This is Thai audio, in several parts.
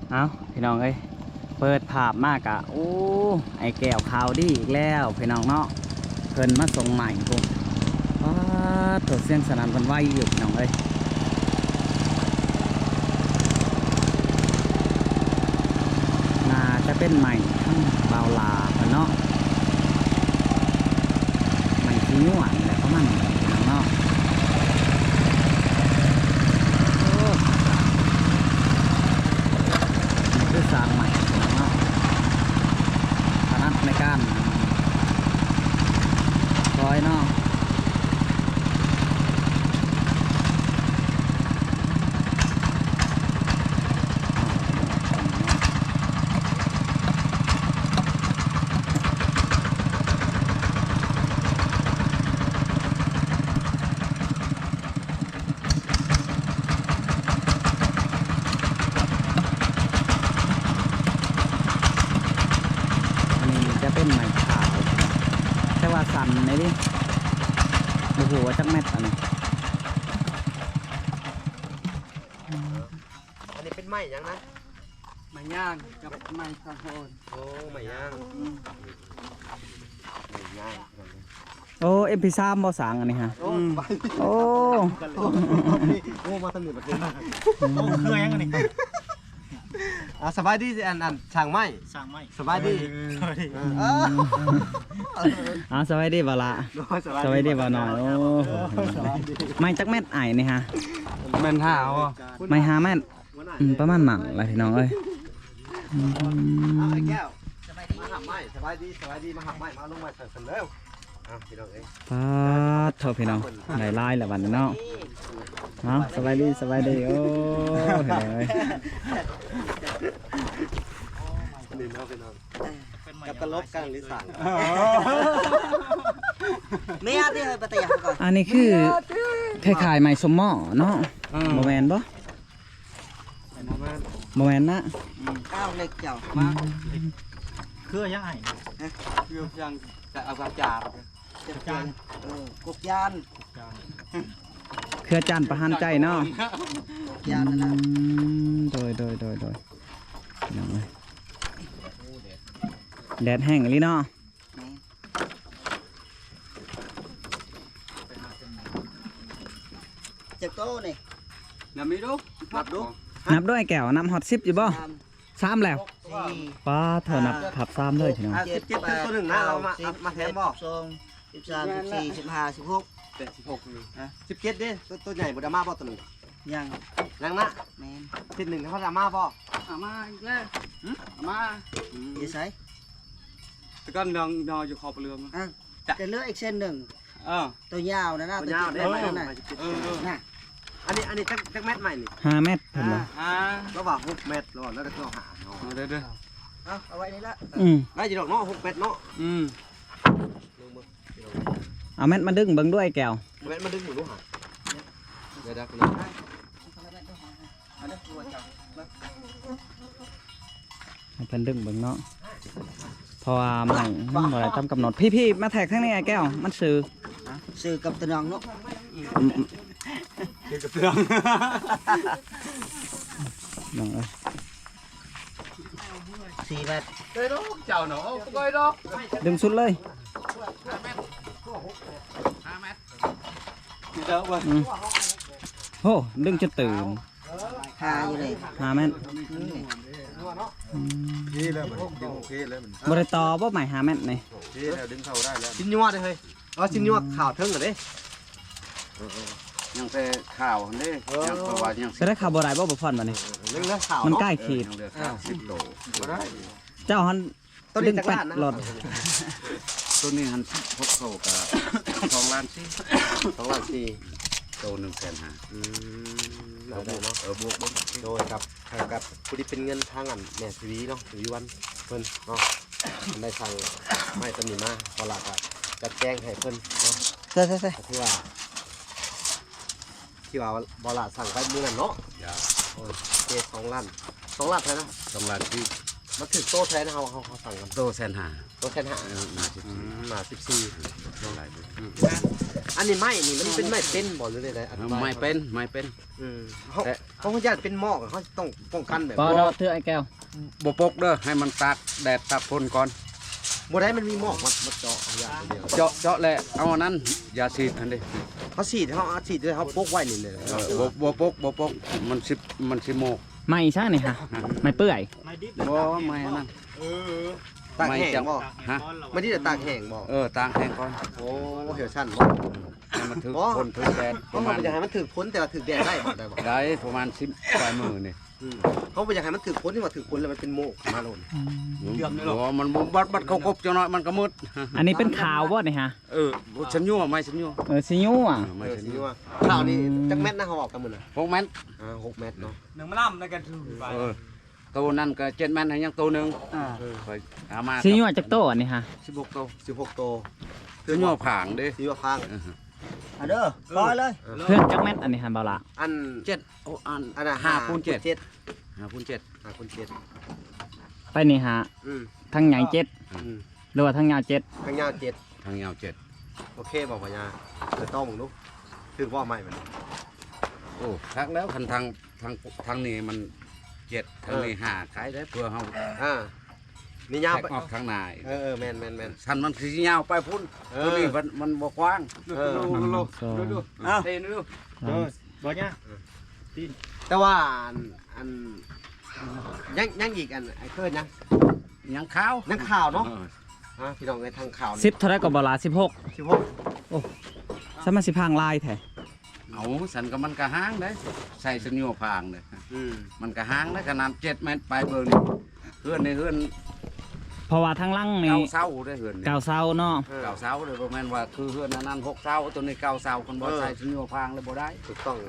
เอาพี่น้องเอ้ยเปิดภาพมากอะโอ้ไอ้แก้วข่าวดีอีกแล้วพี่น้องเนาะเพิ่นมาส่งใหม่ปุ๊บว้าตัวเสียงสนั่นวันไหวอยู่พี่น้องเอ้ยน่าจะเป็นใหม่ทั้งเบาลาเพิ่นเนาะใหม่ที่หวานแหละประมาณนี้พี่น้องเนาะคือสร้างใหม่เนาะถนัดในการร้อยเนาะอันนี้จะเป็นใหม่ขาวแต่ว่าสั่นไหนดิโอ้โหจักแมทอันนี้อันนี้เป็นไม้ยังนะไม้ย่างกับไม้ข้าวโพดโอ้ไม้ย่างไม้ย่างโอ้เอ็มพี3บ่สั่งอันนี้ฮะโอ้ไปโอ้โอ้มาสนิทแบบนี้โอ้เคยยังอันนี้สบายดีอันช่างไม้สั่งไม้สบายดีสวัสดีสวัสดีบ่ละสวัสดีบ่หน่อยโอ้ไม่จักแมทไอ้นี่ฮะแม่นท่าอ๋อไม่หาแมทประมาณหมั่งอะไรพี่น้องเอ้ยแก้วมาหักไม้สบายดีมาหักไม้มาลงมาเสร็จแล้วพี่น้องเอ้ยป้าดเถอะพี่น้องได้ลายแล้วบัดนี้เนาะเอาสบายดีโอ้เห็นเลยนี่น้องพี่น้องกับกระลบกันหรือสั่งไม่อาที่ให้ปฏิญาณก่อนอันนี้คือคล้ายๆไม้สมหม้อเนาะบ่แม่นบ่บ่แม่นนะก้าวเล็กเจ้ามาเคยยังไงคือยังจะเอากระจาดเจ็บจานกุกยานเครือจันทร์ประหารใจเนาะกุกยานนั่นแหละโดยพี่น้องเอ้ยแดดแห้งอีหลีเนาะเจ็บโต้นี่น้ำมีดูนับดูนับด้วยแก้วนับฮอต10อยู่บ่3แล้วสี่ป้าเธอนับผับ3เลยพี่น้อง 17เป็นตัวหนึ่งนะเรามาแทนบ่ 13 14 15 16 17ดิตัวใหญ่บุดามาบ่ตัวหนึ่งยังยังนะแม่นทีหนึ่งเขาดามาบ่อามาอีกแล้วอามาดีไซแต่ก็นอนอยู่ขอบเรือมั้งจะเลือกอีกเส้นหนึ่ง ตัวยาวนะนะตัวยาวได้ไหมนั่นน่ะน่ะอันนี้จักแมทใหม่นี่ 5 เมตรเพิ่นบ่ระหว่าง6เมตรระหว่างแล้วก็หาเด้อเอาไว้นี่ละได้จีดอกเนาะ6เมตรเนาะเอาเม็ดมาดึงเบิ่งด้วยแก้วเมตรมาดึงหมูลูกหาเดี๋ยวคุณเอาเด้อตัวเจ้าให้เพิ่นดึงเบิ่งเนาะเพราะว่ามันบ่ได้ตามกำหนดพี่ๆมาแท็กทางนี้ไอ้แก้วมันซื้อซื้อกับตะนองเนาะคือกับเรื่องน้องเอ้ย 4 เมตรเด้อเจ้าเนาะก้อยดอกดึงสุดเลยเด้อบ่โอ้ดึงจนตื่นหาอยู่เลย 5 เมตรพี่แล้วมันดึงพี่แล้วมันบ่ได้ต่อบ่ใหม่5 เมตรนี่พี่แล้วดึงเข้าได้แล้วชิ้นยัวเลยเฮ้ยชิ้นยัวข่าวเทิงเหรอเด้ยังแต่ข่าวนี่ยังประวัติยังจะได้ข่าวบ่ได้บ่พรบัดนี้เรื่องเลือข่าวมันใกล้ขีดยังเหลือ30โลก็ได้เจ้าหันต้นดึนี้งจักแปรดลานนะหลอดต้นนี้หันพกเข้ากับ2ล้านสิ 2ล้าน4 โต150,000 ได้เนาะบวกบ่โดยกับผู้ที่เป็นเงินทางอันแม่ชีวีเนาะชีวีวันเพิ่นเนาะได้สั่งไม่ตำหนิมาพอหลักอ่ะจัดแจ้งให้เพิ่นเนาะใส่ที่ว่าบอลาสั่งไปมือนั่นเนาะอย่าโอ้ยเจ2 ล้านใช่ไหม 2ล้านที่มันถึงโตแทนเขาสั่งกันโตแสนหาโตแทนหา มา14 เท่าไหร่อันนี้ไม้นี่มันเป็นไม้เป็นบ่หรืออะไรอันไม่เป็นไม่เป็นเขาญาติเป็นหมอกเขาต้องป้องกันแบบปอเราเถื่อไอ้แก้วบ่ปกเด้อให้มันตากแดดตากฝนก่อนบ่ได้มันมีหมอกมาเจาะอย่างเดียวเจาะแหละเอาอันนั้นยาฉีดอันนี้เขาฉีดด้วยเขาพกไว้นี่เลยบ่ปกมันสิโมกไม่ใช่นี่ฮะไม่เปื่อยบ่ไม่อันนั้นตากแห้งบ่ฮะไม่ได้แต่ตากแห้งบ่ตากแห้งก่อนโอ้เหี่ยวชั้นให้มันถึกฝนถึกแดดเขาไม่อยากให้มันถึกพ้นแต่ว่าถึกแดดได้บ่ได้บ่ได้ประมาณ10ปลายมือนี่เขาไม่อยากให้มันถึกพ้นที่ว่าถึกพ้นแล้วมันเป็นโมกมาโลนบ่มันบัดเขากบจังหน่อยมันก็มืดอันนี้เป็นขาวบ่นี่ฮะฉันยั่วไม่ฉันยั่วซิยูอ่ะไม่ฉันนี่ยั่วว่าข่าวนี้จักแมทนะเขาบอกกันมื้อน่ะ 6 เมตร 6 เมตรเนาะหนึ่งมะล่ำในกันถือไปตัวนั้นก็7 เมตรให้ยังตัวนึงคอยเอามาซิยูจักโตอันนี้ฮะ 16ตัว 16โตฉันยั่วผางเด้สีว่าฟังเด้อร้อยเลยเพื่อนจักแมทอันนี้ฮะเบาละอัน 7โอ้อันอันน่ะ 5 คูณ 7 7 5 คูณ 7 5คูณ7 ไปนี่ฮะอืมทั้งใหญ่เจ็ดอืมหรือว่าทั้งยาวเจ็ดข้างยาว7 ทางยาวโอเคบอกพญาจะต้องลูกถึงว่าไม่มัน 7โอ้ทักแล้วคันทางนี้มัน7ทางนี้5ขายได้เพื่อเฮานี่ยาวแทไปกออกทางนายแมนสันมันคือยาวไปพุ่นตัวนี้มันบ่กว้างดูเต้นดูบ่เนี่ยแต่ว่าอันยังอีกอันไอ้เคิร์นยังขาวยังข่าวเนาะพี่น้องในทางข่าว 10เท่าไรก็เบาละ16 16 สมาสิพังลายแท้เอาสันก็มันก็ห้างได้ใส่สัญญาพางเลยมันก็ห้างได้ขนาด7 เมตรไปเบอร์นี่เฮือนในเฮือนเพราะว่าทั้งหลังนี่เก้าเสาได้เฮือนเก่าเซาเนาะเก้าเสาเลยบ่แม่นว่าคือเฮือนอันนั้น6 เสาตัวนี้9 เสาคนบ่ใส่สัญญาพางเลยบ่ได้ถูกต้อง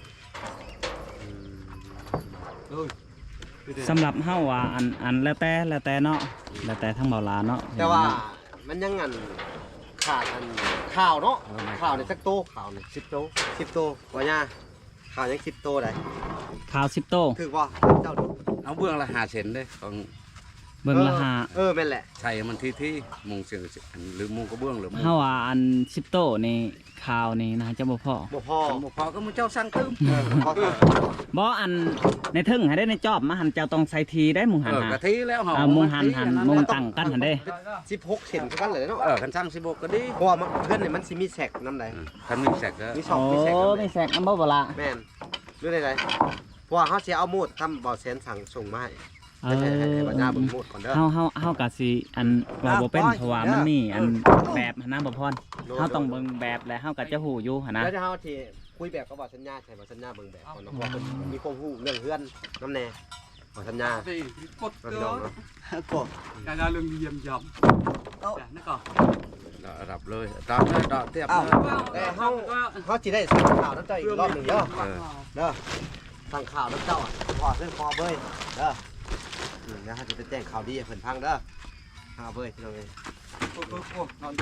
สำหรับเฮาว่าอันแล้วแต่เนาะแล้วแต่ทั้งเบาลาเนาะแต่ว่ามันยังขาดข่าวเนาะข่าวในสักโตข่าวใน10 โตว่าย่าข่าวยัง10 โตได้ขาว10โตถือว่าเจ้าดูเอาเบื้องละ5 เซนเด้ของเบิ่งละหาแม่นแหละใส่มันที่มุงเสียงหรือมุงกระเบื้องหรือมุงเฮาว่าอัน10โตนี่ขาวนี่นะจะบ่พอบ่พอบ่พอก็มึงเจ้าสั่งตื้มพอบ่อันในทึ่งให้ได้ในจอบมาหันเจ้าต้องใส่ทีได้หมุงหันหากะทิแล้วเฮามุงหันมุงตั้งกันหันได้ 16 เซนกันเลยเนาะคันสั่ง16ก็ดีเพราะว่าเพื่อนเนี่ยมันสิมีแสกน้ำใดคันมีแสกก็มีช่องโอ้มีแสกน้ำใดมีแสกน้ำบ่บ่ละแม่นหรือใดๆเพราะว่าเขาสิเอามูดทำบ่อแสนสั่งส่งมาให้ให้บรรดาเบิ่งมูดก่อนเด้อเฮากะสิอันว่าบ่เป็นเพราะว่ามันมีอันแบบหันนะบ่พรเฮาต้องเบิ่งแบบแล้วเฮาก็จะฮู้อยู่หั่นนะแล้วเดี๋ยวเฮาที่คุยแบบก็บอกสัญญาใช่บ่สัญญาเบิ่งแบบก่อนเนาะเพราะว่าเพิ่นมีความรู้เรื่องเฮือนน้ำแน่บ่สัญญาตีกดพี่น้องเนาะการเรื่องเยี่ยมยำนั่นก่อนรับเลยดอกเลยดอกเทียบเลยแต่เฮาสิได้สั่งข่าวน้ำเจ้าอีกรอบหนึงเด้อเด้อสั่งข่าวน้ำเจ้าขอเรื่องคอเบ้ยเด้อเดี๋ยวเฮาจะไปแจ้งข่าวดีให้เพิ่นฟังเด้อข่าวเบ้ยพี่น้องเอ้ยโอ้นอน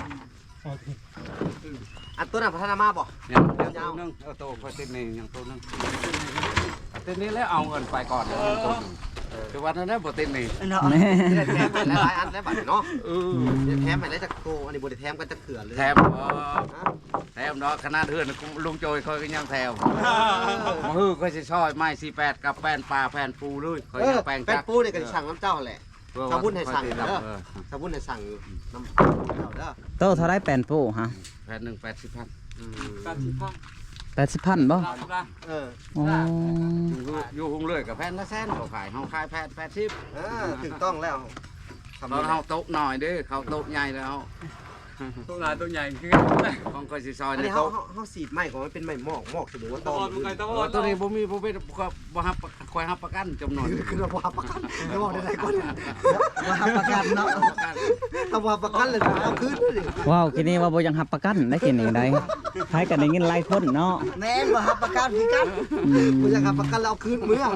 อันตัวนั้นพัฒนามาบ่ยังตัวนึงโตพอติดนี่ยังตัวนึงติดนี่แล้วเอาเงินไปก่อนแต่วันนั้นบ่ติดนี่แม่แถมไปหลายอันแล้วบัดเนาะแถมไปได้จากโตอันนี้บ่ได้แถมกันจักเถื่อเลยแถมเนาะคณะเฮือนลุงโจยคอยก็ยังแถวมาฮือก็สิซอยไม้48กับแป้นปลาแป้นปูเลยคอยยังแป้งแป้จังกปูนี่ก็สั่งน้ำเจ้าแหละชาวบุญให้สั่งเด้อชาวบุญให้สั่งน้ำเจ้าเด้อโตเท่าไรแปนปูฮะแผ่น1 80,000 การที่พัง 80,000บ่เอออ๋ออยู่หุงเลยกับแผ่นละแสนเขาขายเฮาขายแผ่น80 ถูกต้องแล้วเราเฮาโต๊ะหน่อยเด้เขาโต๊ะใหญ่แล้วตัวลายตัวใหญ่คือของก็สิซอยอันในนี้โต๊ะเฮาสีดไม้ของมันเป็นไม้หมอกสมมุติว่าตตออนมึงไงตอตัวนี้บ่มีบ่เป็นบ่ฮับคอยฮับประกันจำนวนคือเราว่าประกันเราบอกได้ก่อนว่าประกันเนาะถ้าว่าประกันเลยเอาคืนเลยว้าวกินนี่ว่าบ่ยังรับประกันได้กินนี่ได้ใช้กันได้เงินหลายคนเนาะแม่นบ่รับประกันคือกันกูจะประกันเราเอาคืนมื้อ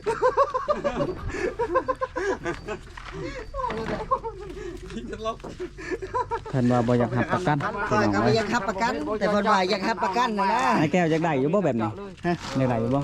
เพิ่นว่าบ่อยากรับประกันคอยก็บ่อยากรับประกัน แต่เพิ่นว่าอยากรับประกันนะนะไอ้แก้วอยากได้อยู่บ่แบบนี้ฮะอยากได้อยู่บ่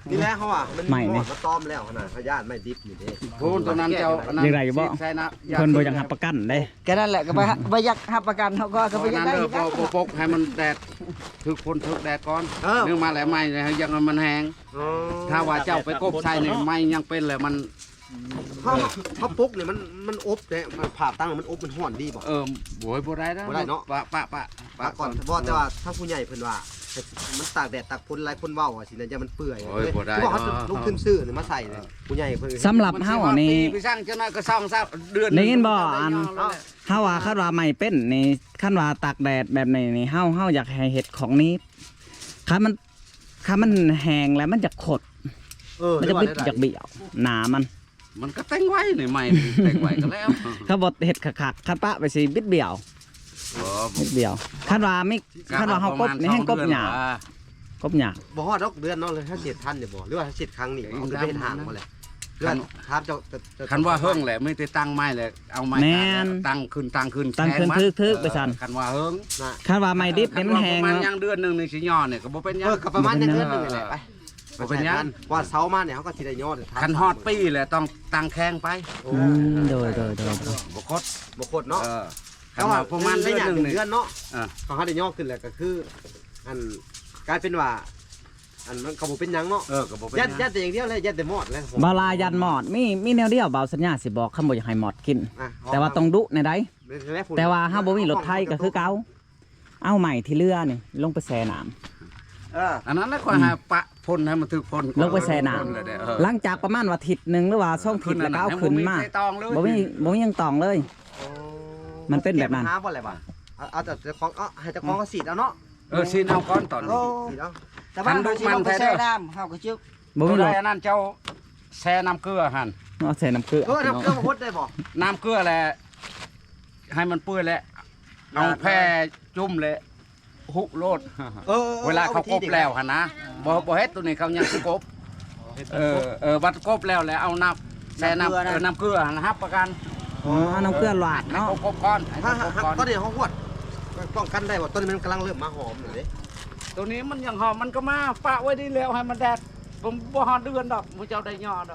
นี่แหละเขาอ่ะมันใหม่นี่มาต้อมแล้วขนาดพยาธิไม่ดิบอยู่เด้พูนตัวนั้นเจ้าอันนั้นยังไงบ่ใช่นะเพิ่นบ่อยากรับประกันได้แค่นั้นแหละก็ไปยักหับประกันเขาก็ไปตัวยักนั้นได้เด้ออีกนะปกให้มันแดดถึกฝนถึกแดดก่อนเออนึกมาแล้วไม่เลยยังมันแห้งอ๋อถ้าว่าเจ้าไปกบใส่นี่ไม่ยังเป็นเลยมันเขาปุ๊กเนี่ยมันอบเนี่ยมันผ่าตั้งมันอบมันห่อนดีบ่โวยบ่ได้นะบ่ได้เนาะปะปาก่อนบ่แต่ว่าถ้าผู้ใหญ่เพิ่นว่ามันตากแดดตากฝนหลายคนเว้าว่าสินะจะมันเปื่อยโอ้ยบ่ได้ที่บอกเขาลุกขึ้นซื้อเนี่ยมาใส่เลยผู้ใหญ่เพิ่นสำหรับเฮานี่ไปสร้างเจ้าน้อยก็ซ่องซะเดือนได้ยินบ่อัน เฮาว่าคันว่าไม่เป็นนี่คันว่าตากแดดแบบนี้นี่เฮาอยากให้เฮ็ดของนี้คันมันแห้งแล้วมันจะขดมันจะบิดจากเบี้ยวหนามันก็แต่งไว้นี่ไม่แต่งไว้ก็แล้วเขาบอกเห็ดขักคันปะไปสิบิดเบี่ยวบิดเบี่ยวคันว่าไม่คันว่าเฮากบนี่แห้งกบหยาบกบหยาบบ่ฮอดดอกเดือนเนาะเลยถ้าเสียทันเนี่ยบ่หรือว่าถ้าเสียครั้งนี่เอาไปเฮ็ดหางบ่แหละเดือนครับเจ้าคันว่าเฮิงแหละไม่ได้ตั้งไม้เลยเอาไม้ตั้งขึ้นตั้งขึ้นทึกไปสั่นคันว่าเฮิงคันว่าไม่ดิบนี่มันแห้งประมาณเนาะยังเดือนนึงนี่สิย่อเนี่ยก็บ่เป็นหยังก็ประมาณเดือนนึงแหละไปบ่เป็นหยังว่าเสามาเนี่ยเขาก็สิได้ยอดคันฮอดปีแหละต้องตั้งแข้งไปโดยบ่คดบ่โคตรเนาะคันว่าประมาณเดือนนึงนี่เดือนเนาะอ่าเขาให้ได้ยอดขึ้นแหละก็คืออันกลายเป็นว่าอันมันก็บ่เป็นหยังเนาะก็บ่เป็นยัหดยังแต่อย่างเดียวเลยยัดแต่หมอดเลยบาลายันหมอดมีแนวเดียวเบาสัญญาสิบอกคำบ่อยากให้หมอดกินอ่ะแต่ว่าต้องดุในใดแต่ว่าเฮาบ่มีรถไทยก็คือเก่าเอาใหม่ที่เรือนี่ลงไปแช่น้ำอันนั้นแล้วก็หาปะพ่นให้มันถึกพ่นลงไปแช่น้พ่เลยเด้อหลังจากประมาณว่าอาทิตย์หนึงหรือว่า2อาทิตย์แล้วก็เอาขึ้นมาให้บ่ใส่ตองเลยบ่มียังตองเลย มันเป็นแบบนั้นหาบ่อะไรบ่เอาแต่เจ้าของให้เจ้าของเขาสีดเอาเนาะสิเอาก้อนตอนนี้สีดเอาแต่ว่าเราสิลงไปแช่น้ำเขาก็จึ๊กบ่มีตัวรใดถอันนั้นเจ้าแช่น้ำเกลือหั่นเอาใส่น้ำเกลือทำเครื่องมาพดได้บ่น้ำเกลือแหละให้มันเปื่อยแหละเอาแพร่จุ่มเลยหุโลดเวลาเขากบแล้วหั่นนะบ่เฮ็ดตัวนี้เขายังสิกบวัดกบแล้วเอาน้ำแช่น้ำน้ำเกลือหั่นนะครับประกันอ๋อน้ำเกลือหลาดให้เนาะเขากบก้อนให้ถ้าเขากบก้อนตอนนี้เขาหวดป้องกันได้บ่ตอนนี้มันกำลังเริ่มมาหอมเลยตัวนี้มันยังหอมมันก็มาปะไว้ดีแล้วให้มันแดดผมบ่ฮอดเดือนดอกมูเจ้าได้ยอดอก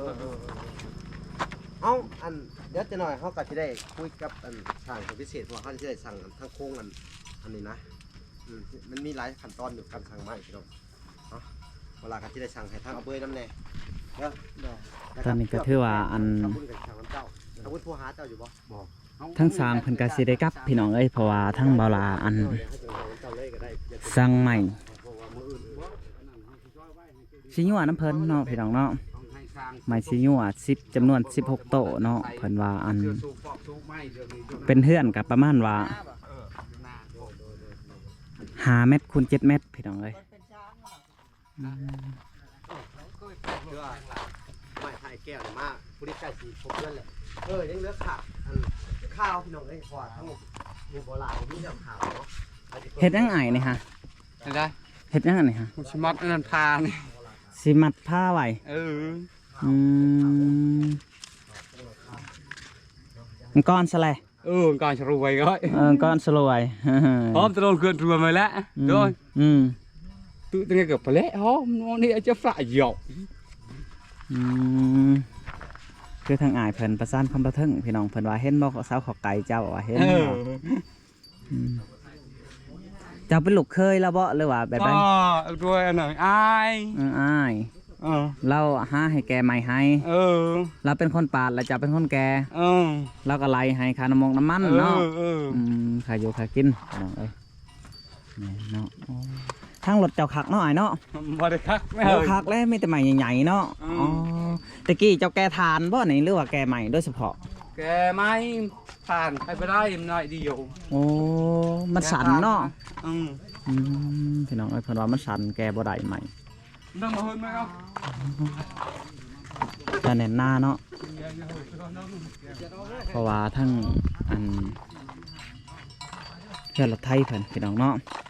เอาอันเดี๋ยวจะหน่อยเขาก็จะได้คุยกับอันทางพิเศษเพราะเขาจะได้สั่งทั้งโค้งอันนี้นะมันมีหลายขั้นตอนอยู่การสั่งไม้พี่น้องเวลาเขาจะได้สั่งให้ทางเอาเบยน้ำแน่เด้อตอนนี้ก็ถือว่าอันขอบคุณกับทางน้ำเจ้าขอบคุณผู้หาเจ้าอยู่บ่บอกทั้งสามเพิ่นก็สิได้กลับพี่น้องเอ้ยเพราะว่าทั้งเบาลาอันเดี๋ยวให้เจ้าเลยก็ได้สั่งใหม่เพราะว่ามืออื่นสิยั่วน้ำเพิ่นเนาะพี่น้องเนาะใหม่สิยั่ว10จำนวน16โต๊ะเนาะเพิ่นว่าอันเป็นเฮือนกับประมาณว่า5 เมตรคูณ7 เมตรพี่น้องเอ้ยไม่ถ่ายแก้วมากผู้ที่ใกล้สีครบเพื่อนแหละยังเหลือขาอันข้าวพี่น้องเลยพอทั้งหมดมีโบราณมีน้ำขาวเนาะเฮ็ดยังไงนี่ฮะได้เฮ็ดยังไงนี่ฮะมุชิมัดอันนั้นพานี่สิมัดผ้าไว้ อืมมันก้อนซะเลยก่อนจะรวยก็ก้อนสลวยพร้อมจะโดนเกินรวยมาแล้วโดยอืมตู้ตั้งแต่เกือบไปแล้วนี่จะฝ่ายหยอกอืมคือทางอายเพิ่นประสานความประเทิงพี่น้องเพิ่นว่าเห็นบ่สาวขอไก่เจ้าว่าเห็นบ่มเจ้าเป็นลูกเคยแล้วบ่หรือว่าแบบใดรวยอันไหนอายอ้ายเราหาให้แกใหม่ให้เราเป็นคนปาดแล้วเจ้าเป็นคนแกเราก็ไล่ให้ค่าน้ำมันเนาะค่าอยู่ค่ากินพี่น้องเอ้ยนี่เนาะทางรถเจ้าคักเนาะอ้ายเนาะบ่ได้คักไม่โอ้คักแล้วมีแต่ใหม่ใหญ่ๆเนาะอ๋อตะกี้เจ้าแกทานบ่นี่หรือว่าแกใหม่โดยเฉพาะแกไม่ผ่านไปได้หน่อยเดียวโอ้มันสั่นเนาะพี่น้องเอ้ยเพิ่นว่ามันสั่นแกบ่ได้ใหม่นั่งมาเฮิร์นไหมครับแต่แน่นหน้าเนาะเพราะว่าทั้งอันเพื่อนรถไทยเพิ่นพี่น้องเนาะ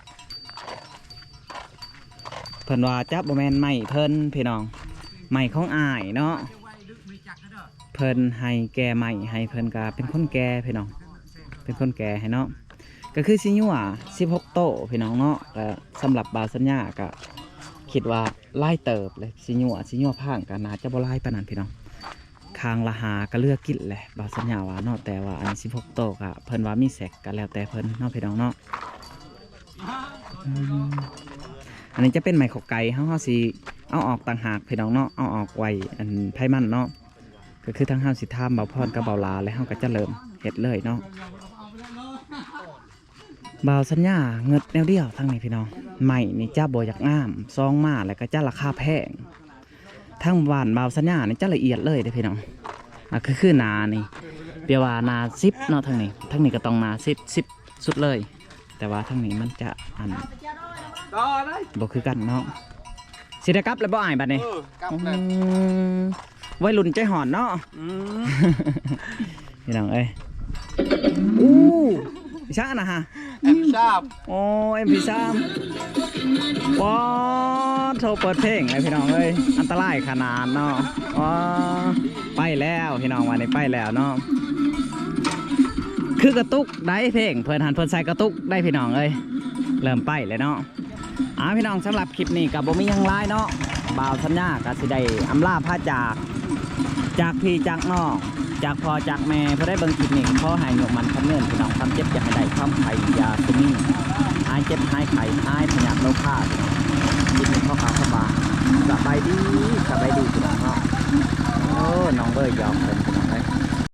เพิ่นว่าจับบ่แม่นไม้เพิ่นพี่น้องไม้ของอ้ายเนาะเพิ่นให้แกใหม่ให้เพิ่นก็เป็นคนแก่พี่น้องเป็นคนแก่ให้เนาะก็คือสิยั่ว16โต๊ะพี่น้องเนาะก็สำหรับบาวสัญญาก็คิดว่าไล่เติบเลยสิญัวพังกันน่าจะบ่ไล่ปานนั้นพี่น้องคางละหาก็เลือกกินแหละบ่าวสัญญาว่าเนาะแต่ว่าอันนี้16โตกะเพิ่นว่ามีแสกก็แล้วแต่เพิ่นเนาะพี่น้องเนาะอันนี้จะเป็นไม้ขกไก่เฮาสิเอาออกต่างหากพี่น้องเนาะเอาออกไว้อันไผมันเนาะก็คือทั้งเฮาสิทำบ่าวพรกับบ่าวลาแล้วเฮาก็จะเริ่มเฮ็ดเลยเนาะบ่าวสัญญาเงิดแนวเดียวทั้งนี้พี่น้องใหม่นี่จ้าบ่อยากงามซองมาแล้วก็จ้าราคาแพงทั้งบ้านบ่าวสัญญานี่จ้าละเอียดเลยเด้อพี่น้องคือนานี่เปียว่านา10เนาะทั้งนี้ก็ต้องนา10สุดเลยแต่ว่าทั้งนี้มันจะอันต่อเลยบ่คือกันเนาะสิได้กลับแล้วบ่อายบัดนี้กลับเลยวัยรุ่นใจหอนเนาะพี่น้องเอ้ยอู้ช้านะฮะแอบทราบโอ้ MP3 ว้าโทรเปิดเพลงเลยพี่น้องเอ้ยอันตรายขนาดเนาะว้าไปแล้วพี่น้องวันนี้ไปแล้วเนาะคือกระตุกได้เพลงเพิ่นหันเพิ่นใส่กระตุกได้พี่น้องเอ้ยเริ่มไปเลยเนาะพี่น้องสำหรับคลิปนี้กับบ่มีหยังหลายเนาะบ่าวสัญญาก็สิได้อำลาพาจากพี่จากน้องจากพ่อจากแม่เพื่อได้เบิ่งคลิปนี้ขอให้หยกมันคำเงินพี่น้องความเจ็บอย่าให้ได้ความไข่ยาซึมีหายเจ็บหายไข่หายพยาธิโรคาคลิปนี้ข้อข่าวเข้ามาสบายดีพี่น้องเนาะโอ้น้องเบย์ยอมเป็นพี่น้องเลย